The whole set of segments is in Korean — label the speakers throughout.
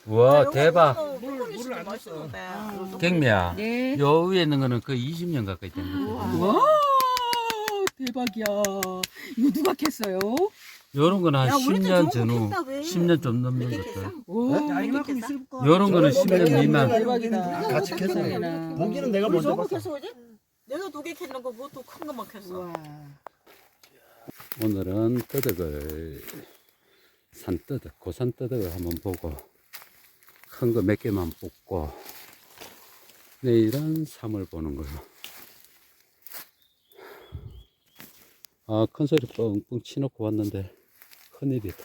Speaker 1: 우와, 대박.
Speaker 2: 물을 안 넣었어.
Speaker 1: 경미야.
Speaker 3: 네.
Speaker 1: 요 위에 있는 거는 거의 20년 가까이 된 거거든.
Speaker 3: 와 대박이야. 이거 누가 캤어요?
Speaker 1: 요런 거는 한
Speaker 2: 야, 우리도
Speaker 1: 10년
Speaker 2: 좋은 거
Speaker 1: 전후,
Speaker 2: 캤다, 왜?
Speaker 1: 10년 좀 넘는
Speaker 2: 몇 개
Speaker 1: 것들.
Speaker 2: 캤어?
Speaker 3: 와
Speaker 2: 야,
Speaker 3: 이만큼
Speaker 2: 있을
Speaker 1: 요런 거는
Speaker 2: 저거
Speaker 1: 10년
Speaker 2: 몇 개
Speaker 1: 미만.
Speaker 3: 대박이다.
Speaker 2: 같이
Speaker 3: 캤어.
Speaker 4: 보기는 내가
Speaker 2: 우리
Speaker 4: 먼저
Speaker 2: 저거
Speaker 4: 봤어.
Speaker 2: 캐서 오지? 내가 2개 캤는 거 뭐 또 큰 거만 캤어.
Speaker 3: 와.
Speaker 1: 오늘은 떠덕을, 산떠덕, 고산떠덕을 한번 보고, 큰 거 몇 개만 뽑고, 내일은 3을 보는 걸로. 아, 큰 소리 뻥뻥 치놓고 왔는데, 큰일이다.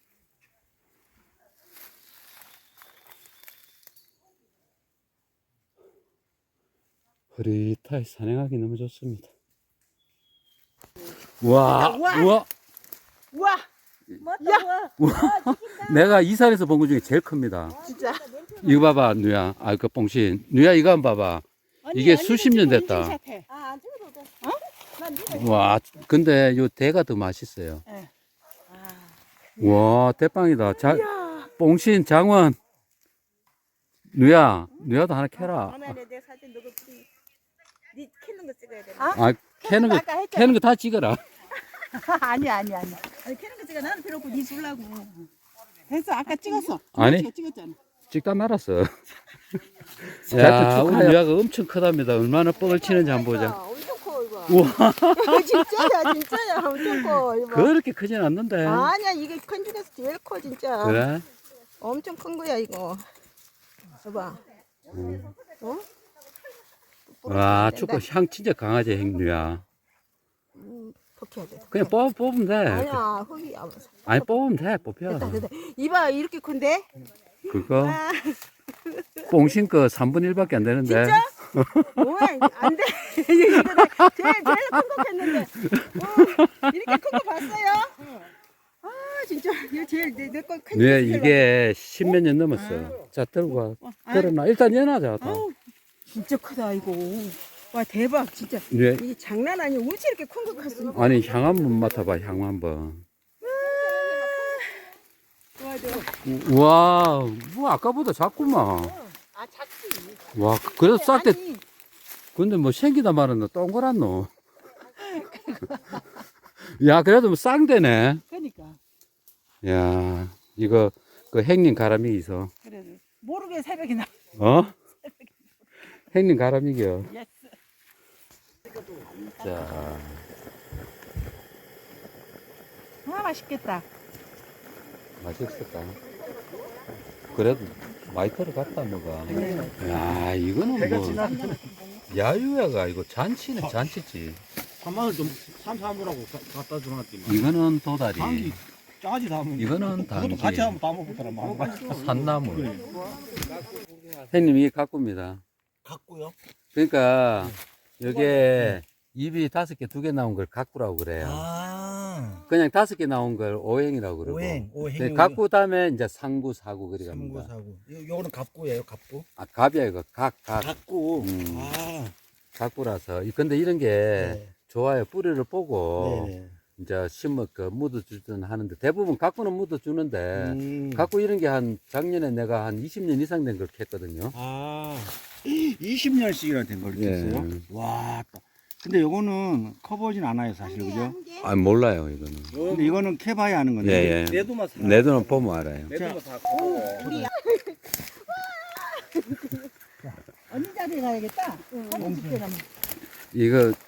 Speaker 1: 흐릿하게 산행하기 너무 좋습니다. 와,
Speaker 3: 우와.
Speaker 1: 우와,
Speaker 3: 와
Speaker 2: 맞다.
Speaker 1: 내가 이 산에서 본 것 중에 제일 큽니다.
Speaker 3: 진짜.
Speaker 1: 이거 봐봐, 누야. 아, 그 뽕신. 누야, 이거 한번 봐봐. 이게 수십 년 됐다.
Speaker 2: 아, 안 찍어도 돼. 난 이거.
Speaker 1: 와, 근데 요 대가 더 맛있어요.
Speaker 3: 네.
Speaker 1: 와, 대빵이다. 뽕신, 장원. 누야, 누야도 하나 캐라.
Speaker 2: 화면에 내 사진 너가 네 캐는 거 찍어야 돼.
Speaker 1: 아, 캐는 거,
Speaker 3: 아까 했잖아.
Speaker 1: 캐는 거 다 찍어라.
Speaker 3: 아니야.
Speaker 2: 아니 캐는 거 찍어. 나는 필요 없고 네 주려고.
Speaker 3: 됐어. 아까 찍었어.
Speaker 1: 아니.
Speaker 3: 찍었잖아.
Speaker 1: 찍다 말았어. 야, 우리 누야가 엄청 크답니다. 얼마나 뻥을 치는지 한번 보자.
Speaker 2: 엄청 커 이거.
Speaker 1: 우와,
Speaker 2: 진짜야 진짜야 엄청 커 이거.
Speaker 1: 그렇게 크진 않는데.
Speaker 2: 아니야 이게 큰 중에서 제일 커 진짜.
Speaker 1: 그래?
Speaker 2: 엄청 큰 거야 이거. 봐봐. 어?
Speaker 1: 와, 축구 향 진짜 강하지, 행누야.
Speaker 2: 벗겨야 돼.
Speaker 1: 그냥 뽑으면 돼.
Speaker 2: 아니야 흙이 안 와서.
Speaker 1: 아니, 뽑으면 돼, 뽑혀.
Speaker 2: 됐다. 이봐 이렇게 큰데?
Speaker 1: 그거,
Speaker 2: 아,
Speaker 1: 뽕신 거 3분의 1밖에 안 되는데.
Speaker 2: 진짜? 뭐야 안 돼. 이거 내가 제일 큰 거 했는데. 이렇게 큰 거 봤어요? 아 진짜 이거 제일 내거 큰.
Speaker 1: 네, 이게 10몇 년 넘었어. 자, 들고 와. 들어놔. 일단 연하자.
Speaker 2: 진짜 크다 이거. 와 대박 진짜.
Speaker 1: 네.
Speaker 2: 이게 장난 아니야. 어찌 이렇게 큰 거 컸어?
Speaker 1: 아니, 향 한번 맡아봐, 향 한번. 와, 뭐, 아까보다 작구만.
Speaker 2: 아 작지.
Speaker 1: 와, 그래도 쌀 때,
Speaker 2: 아니,
Speaker 1: 근데 뭐 생기다 말았노? 동그란 노. 야, 그래도 뭐 쌍대네.
Speaker 3: 그러니까.
Speaker 1: 야, 이거, 그 행님 가람이 있어.
Speaker 3: 그래도 모르게 새벽에 나.
Speaker 1: 어? 행님 가람이겨.
Speaker 3: 예스.
Speaker 1: 자,
Speaker 3: 아 맛있겠다.
Speaker 1: 맛있을까? 그래도 많이 들어갔다, 뭐가. 야, 이거는 뭐, 야유야가 이거 잔치네, 잔치지.
Speaker 4: 한마을 좀 삼삼으라고 갖다 주놨더니
Speaker 1: 이거는 도다리.
Speaker 4: 당기 짜지 다 먹는.
Speaker 1: 이거는
Speaker 4: 그것도
Speaker 1: 당기.
Speaker 4: 같이 하면 다 먹었더라.
Speaker 1: 산나물. 형님, 이게 가꾸입니다.
Speaker 4: 갖고요.
Speaker 1: 그러니까, 여기에 입이 5개, 2개 나온 걸 가꾸라고 그래요.
Speaker 4: 아,
Speaker 1: 그냥 5개 나온 걸 오행이라고 그러고.
Speaker 4: 오행.
Speaker 1: 가꾸 다음에 이제 상구, 사구 그래 갑니다.
Speaker 4: 삼구사구. 요거는 갑구예요, 갑구.
Speaker 1: 아, 갑이야, 이거. 각.
Speaker 4: 갑구.
Speaker 1: 음.
Speaker 4: 아,
Speaker 1: 가꾸라서. 근데 이런 게
Speaker 4: 네.
Speaker 1: 좋아요. 뿌리를 보고.
Speaker 4: 네네.
Speaker 1: 이제 심어 그 묻어주든 하는데 대부분 가꾸는 묻어주는데
Speaker 4: 각
Speaker 1: 가꾸 이런 게 한 작년에 내가 한 20년 이상 된 걸 캤거든요.
Speaker 4: 아, 20년씩이나 된 걸
Speaker 1: 예.
Speaker 4: 겠어요? 와, 근데 요거는 커보진 않아요, 사실, 그죠?
Speaker 1: 아 몰라요 이거는.
Speaker 4: 근데 이거는 캐봐야 하는 건데.
Speaker 1: 예, 예.
Speaker 4: 내도만 사.
Speaker 1: 내 돈은 보면 알아요.
Speaker 4: 내도만 사.
Speaker 3: 언니 자리에 가야겠다.
Speaker 1: 이거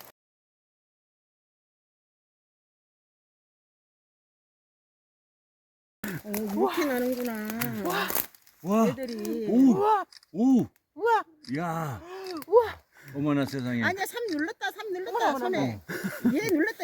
Speaker 2: 이렇게 나는구나.
Speaker 4: 와,
Speaker 2: 애들이.
Speaker 4: 오,
Speaker 3: 우와.
Speaker 4: 오,
Speaker 2: 우와.
Speaker 4: 야,
Speaker 2: 우와.
Speaker 4: 어머나 세상에.
Speaker 2: 아니야, 3 눌렀다, 3 눌렀다, 손에. 얘 눌렀다,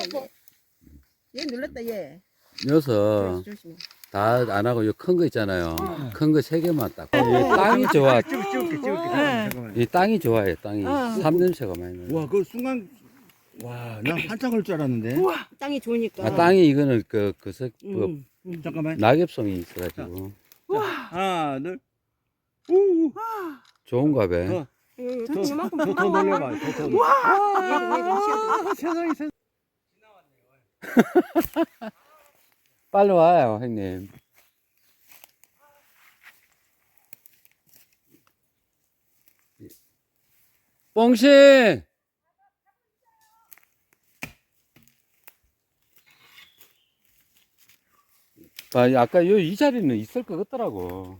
Speaker 2: 얘 눌렀다, 얘.
Speaker 1: 녀석
Speaker 2: 조심해.
Speaker 1: 다 안 하고 요 큰 거 있잖아요. 큰 거 3개만 딱. 이 땅이 좋아.
Speaker 4: 찍을게.
Speaker 3: 네.
Speaker 4: 잠깐만.
Speaker 1: 이 땅이 좋아요. 땅이 삼 냄새가 많이 나요.
Speaker 4: 와, 그 순간, 와, 나 한참 걸 줄 알았는데.
Speaker 2: 땅이 좋으니까.
Speaker 1: 아, 땅이 이거는
Speaker 4: 잠깐만.
Speaker 1: 낙엽성이 있어가지고
Speaker 4: 하나, 둘. 오,
Speaker 1: 좋은가 봐.
Speaker 2: 이만큼
Speaker 4: 더 놀려봐. 더. 와, 세상에.
Speaker 1: 빨리 와요, 형님. 뽕신! 아, 아까 이 자리는 있을 것 같더라고.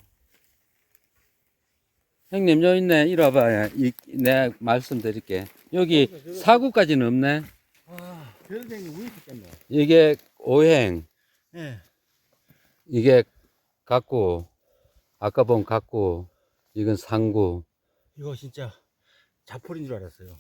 Speaker 1: 형님, 요 있네. 이리 와봐. 내가 말씀드릴게. 여기 사구까지는 없네.
Speaker 4: 아, 대선생님 우유 있겠네.
Speaker 1: 이게 오행,
Speaker 4: 예.
Speaker 1: 이게 각구, 아까 본 각구, 이건 상구.
Speaker 4: 이거 진짜 자폴인 줄 알았어요.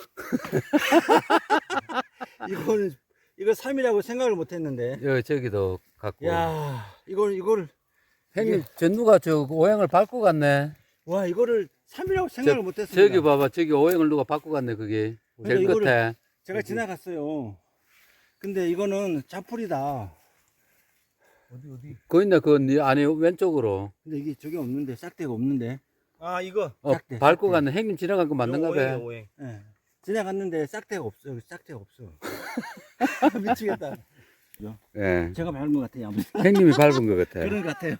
Speaker 4: 이거 3이라고 생각을 못 했는데.
Speaker 1: 여기 저기도 각구.
Speaker 4: 야, 이걸
Speaker 1: 형님,
Speaker 4: 이게-
Speaker 1: 저 누가 저 오행을 밟고 갔네.
Speaker 4: 와, 이거를 3이라고 생각을 못 했습니다.
Speaker 1: 저기 봐봐. 저기 오행을 누가 밟고 갔네, 그게.
Speaker 4: 그러니까
Speaker 1: 제일
Speaker 4: 이거를-
Speaker 1: 끝에.
Speaker 4: 제가 지나갔어요. 근데 이거는 자폴이다. 어디?
Speaker 1: 그 있네, 네 안에 왼쪽으로.
Speaker 4: 근데 이게 저게 없는데, 싹대가 없는데.
Speaker 5: 아 이거
Speaker 4: 짝대,
Speaker 1: 밟고
Speaker 4: 짝대.
Speaker 1: 갔네. 형님 지나간 거 맞는가
Speaker 5: 오행이야,
Speaker 1: 봐.
Speaker 5: 오행.
Speaker 4: 예. 지나갔는데 싹대가 없어. 여기 싹대가 없어. 미치겠다.
Speaker 1: 예.
Speaker 4: 제가 밟은 것 같아요. 아무튼.
Speaker 1: 형님이 밟은 것 같아.
Speaker 4: 그런 것 같아요.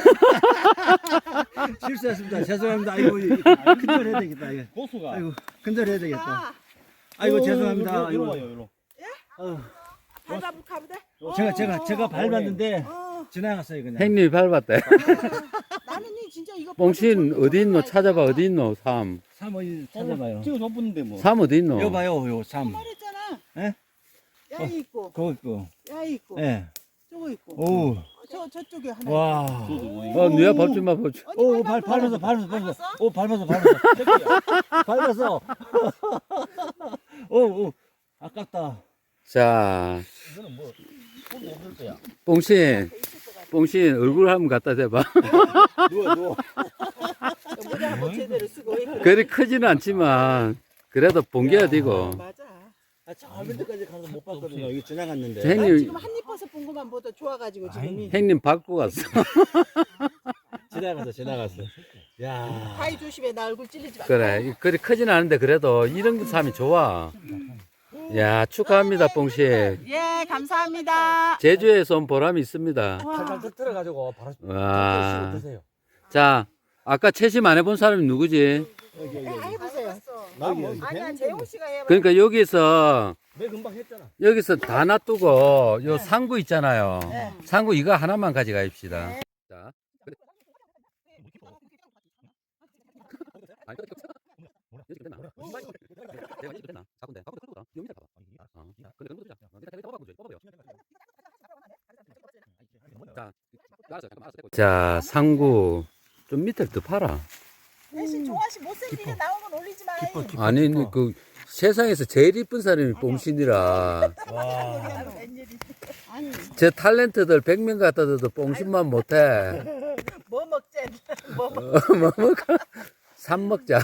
Speaker 4: 실수했습니다. 죄송합니다. 아이고, 큰절 해야 되겠다. 이거.
Speaker 5: 고수가.
Speaker 4: 아이고, 큰절 해야 되겠다.
Speaker 2: 아,
Speaker 4: 아이고, 죄송합니다.
Speaker 5: 이리
Speaker 4: 아이고.
Speaker 5: 와요, 이리.
Speaker 4: 어,
Speaker 2: 밟아볼까 보다.
Speaker 4: 제가 밟았는데
Speaker 2: 어,
Speaker 4: 지나갔어요, 그냥.
Speaker 1: 형님이 밟았대.
Speaker 2: 나는 이 진짜 이거.
Speaker 1: 뽕신
Speaker 2: 보고
Speaker 1: 어디 있노?
Speaker 2: 저거
Speaker 1: 찾아봐.
Speaker 2: 알잖아.
Speaker 1: 어디 있노? 삼.
Speaker 4: 3 어디 찾아봐요.
Speaker 5: 지금 줬는데 뭐.
Speaker 1: 삼 어디 있노?
Speaker 4: 이거 봐요, 요 3.
Speaker 2: 말했잖아.
Speaker 4: 예?
Speaker 2: 야이 있고,
Speaker 4: 그거 있고.
Speaker 2: 야이 있고,
Speaker 4: 예.
Speaker 2: 저거 있고.
Speaker 4: 오,
Speaker 2: 저쪽에 하나.
Speaker 4: 와.
Speaker 5: 저도 오행.
Speaker 1: 누야 밟지 마, 밟지.
Speaker 2: 있고.
Speaker 4: 오,
Speaker 2: 어디
Speaker 4: 밟았어.
Speaker 2: 밟았어?
Speaker 4: 오, 밟았어. 밟았어. 오, 아깝다.
Speaker 1: 자,
Speaker 5: 이거는 뭐 손도 없을 거야.
Speaker 1: 뽕신. 뽕신 얼굴 한번 갖다 대봐.
Speaker 5: 누워.
Speaker 2: 모자 한번 제대로 쓰고.
Speaker 1: 그리 크지는 않지만, 그래도 본게야 되고.
Speaker 2: 맞아.
Speaker 4: 저 밑에까지 가서 못 봤거든요. 여기 지나갔는데.
Speaker 1: 저
Speaker 2: 난
Speaker 1: 형님,
Speaker 2: 지금 한입 버섯 본 것만 보다 좋아가지고 지금이.
Speaker 1: 형님 밟고 갔어.
Speaker 4: 지나갔어. 야.
Speaker 2: 바위 조심해. 나 얼굴 찔리지 마.
Speaker 1: 그래, 그리 크지는 않은데, 그래도 이런 삶이 좋아. 야, 축하합니다, 뽕신.
Speaker 2: 예, 감사합니다.
Speaker 1: 제주에서 온 보람이 있습니다.
Speaker 4: 팔팔 터뜨려가지고 바로
Speaker 1: 와.
Speaker 4: 드세요.
Speaker 1: 자, 아까 채심 안 해본 사람이 누구지?
Speaker 2: 해보세요.
Speaker 5: 나뭐
Speaker 2: 아니야, 재홍 씨가 해봐.
Speaker 1: 그러니까 여기서
Speaker 5: 내 금방 했잖아.
Speaker 1: 여기서 다 놔두고 요 상구 있잖아요.
Speaker 2: 네.
Speaker 1: 상구 이거 하나만 가져가십시다. 자. 자, 상구 좀 밑에 더 팔아.
Speaker 2: 대신 종아 씨 못생기게 나온 건 올리지 마요.
Speaker 1: 아니 그 세상에서 제일 이쁜 사람이 뽕신이라.
Speaker 2: 아니,
Speaker 1: 제 탤런트들 100명 갖다 줘도 뽕신만 못해.
Speaker 2: 뭐 먹재? 뭐 먹?
Speaker 1: 뭐 먹어? 산 먹자.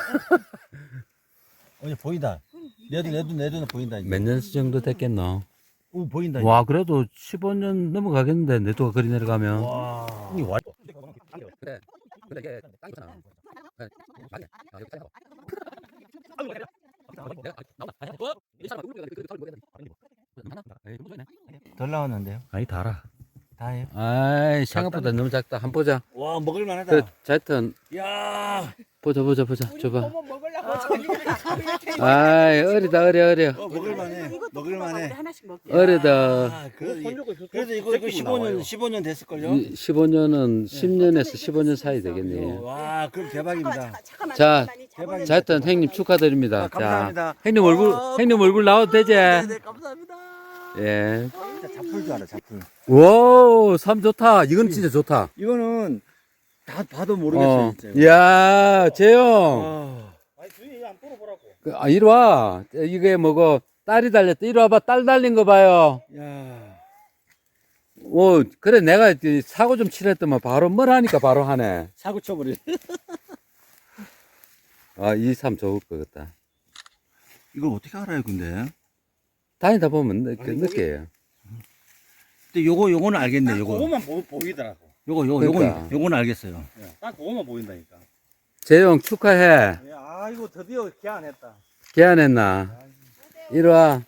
Speaker 4: 보인다. 내 눈에 보인다. 이제.
Speaker 1: 몇 년 정도 됐겠노?
Speaker 4: 오, 보인다.
Speaker 1: 와, 그래도 15년 넘어가겠는데, 내도가 그리 내려가면.
Speaker 4: 와.
Speaker 1: 그래. 근데 이게 땅이잖아. 맞네. 아, 여기 땅이라고.
Speaker 4: 덜 나왔는데요.
Speaker 1: 아니, 달아.
Speaker 4: 다예요.
Speaker 1: 아이, 생각보다 너무 작다. 한번 보자.
Speaker 4: 와, 먹을 만하다.
Speaker 1: 그, 자이튼,
Speaker 4: 야.
Speaker 1: 보자. 줘봐.
Speaker 2: 뭐뭐 먹으려고 저기
Speaker 1: 아이, 어려.
Speaker 4: 먹을 만해. 먹을 만해.
Speaker 2: 하나씩 먹게.
Speaker 1: 어리다.
Speaker 4: 아, 그래도 이거 15년 됐을 걸요.
Speaker 1: 15년은 10년에서 15년 사이 되겠네.
Speaker 4: 와, 그럼 대박입니다.
Speaker 2: 잠깐만.
Speaker 1: 자,
Speaker 4: 대박이다.
Speaker 1: 자이튼, 형님 축하드립니다.
Speaker 4: 아, 감사합니다.
Speaker 1: 자, 형님 형님 얼굴 나와도 되지?
Speaker 4: 네, 감사합니다.
Speaker 1: 예.
Speaker 4: 진짜 잡풀 줄 알아, 잡풀.
Speaker 1: 와, 삶 좋다. 이건 진짜 좋다.
Speaker 4: 이거는 다 봐도 모르겠어요, 진짜. 이거.
Speaker 1: 이야, 재영.
Speaker 4: 아,
Speaker 5: 아니 주인이 안 돌아보라고.
Speaker 1: 이리 와. 이게 뭐고, 딸이 달렸다. 이리 와봐. 딸 달린 거 봐요.
Speaker 4: 야.
Speaker 1: 그래. 내가 사고 좀 칠했더만 바로 뭘 하니까 바로 하네.
Speaker 4: 사고 쳐버려.
Speaker 1: 아, 이 삶 좋을 것 같다.
Speaker 4: 이걸 어떻게 알아요, 근데?
Speaker 1: 다니다 보면 느껴요.
Speaker 4: 근데 요거는 알겠네, 요거.
Speaker 5: 그거만 보이더라고.
Speaker 1: 그러니까.
Speaker 4: 요거는 알겠어요.
Speaker 5: 딱 그거만 보인다니까.
Speaker 1: 재영 축하해.
Speaker 5: 아 이거 드디어 개안했다.
Speaker 1: 개안했나? 이리 와.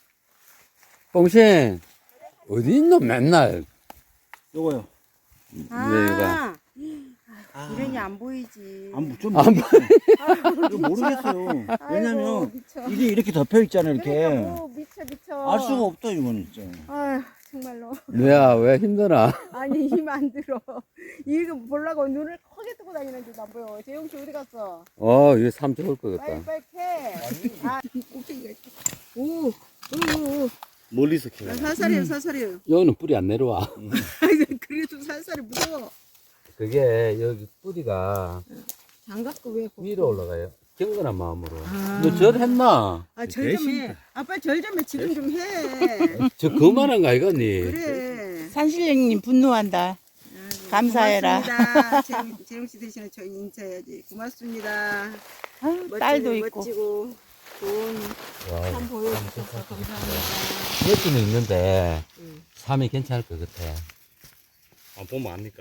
Speaker 1: 뽕신. 어디 있노, 맨날.
Speaker 4: 요거요.
Speaker 1: 네, 이거.
Speaker 2: 이런이 안 보이지.
Speaker 4: 좀
Speaker 1: 안
Speaker 4: 이거 모르겠어요. 왜냐면
Speaker 2: 아이고, 미쳐.
Speaker 4: 이게 이렇게 덮여 있잖아 이렇게.
Speaker 2: 그러니까 뭐 미쳐.
Speaker 4: 알 수가 없다 이거는 진짜.
Speaker 2: 아휴 정말로.
Speaker 1: 뭐야, 왜 힘드나?
Speaker 2: 아니 힘 안 들어. 이거 보려고 눈을 크게 뜨고 다니는데 안 보여. 재용 씨 어디 갔어?
Speaker 1: 이거 참 좋을 것 같다.
Speaker 2: 빨리 캐. 아 꼭대기가 있다. 오. 오.
Speaker 5: 멀리서 캐.
Speaker 2: 살살해요 살살해요.
Speaker 1: 여기는 뿌리 안 내려와.
Speaker 2: 그래도 살살이 무서워.
Speaker 1: 그게 여기 뿌리가
Speaker 2: 장갑도 왜
Speaker 1: 위로 올라가요. 경건한 마음으로.
Speaker 2: 아.
Speaker 1: 너 절 했나?
Speaker 2: 절 좀 해. 아빠 절 좀 해. 지금 좀 해.
Speaker 1: 저 그만한 거 아이가니?
Speaker 2: 그래.
Speaker 3: 산신령님 분노한다.
Speaker 2: 아이고,
Speaker 3: 감사해라.
Speaker 2: 고맙습니다. 재용 씨 대신에 저희 인사해야지. 고맙습니다.
Speaker 3: 아유, 딸도 있고.
Speaker 2: 멋지고 좋은
Speaker 1: 와,
Speaker 2: 삶 보여주셔서 감사합니다.
Speaker 1: 여기는 있는데
Speaker 2: 응.
Speaker 1: 삶이 괜찮을 것 같아.
Speaker 5: 안 보면 압니까?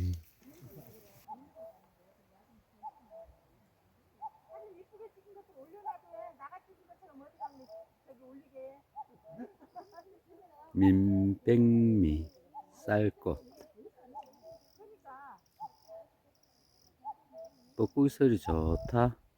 Speaker 1: 민백미, 쌀꽃. 뻐꾸기 소리 좋다.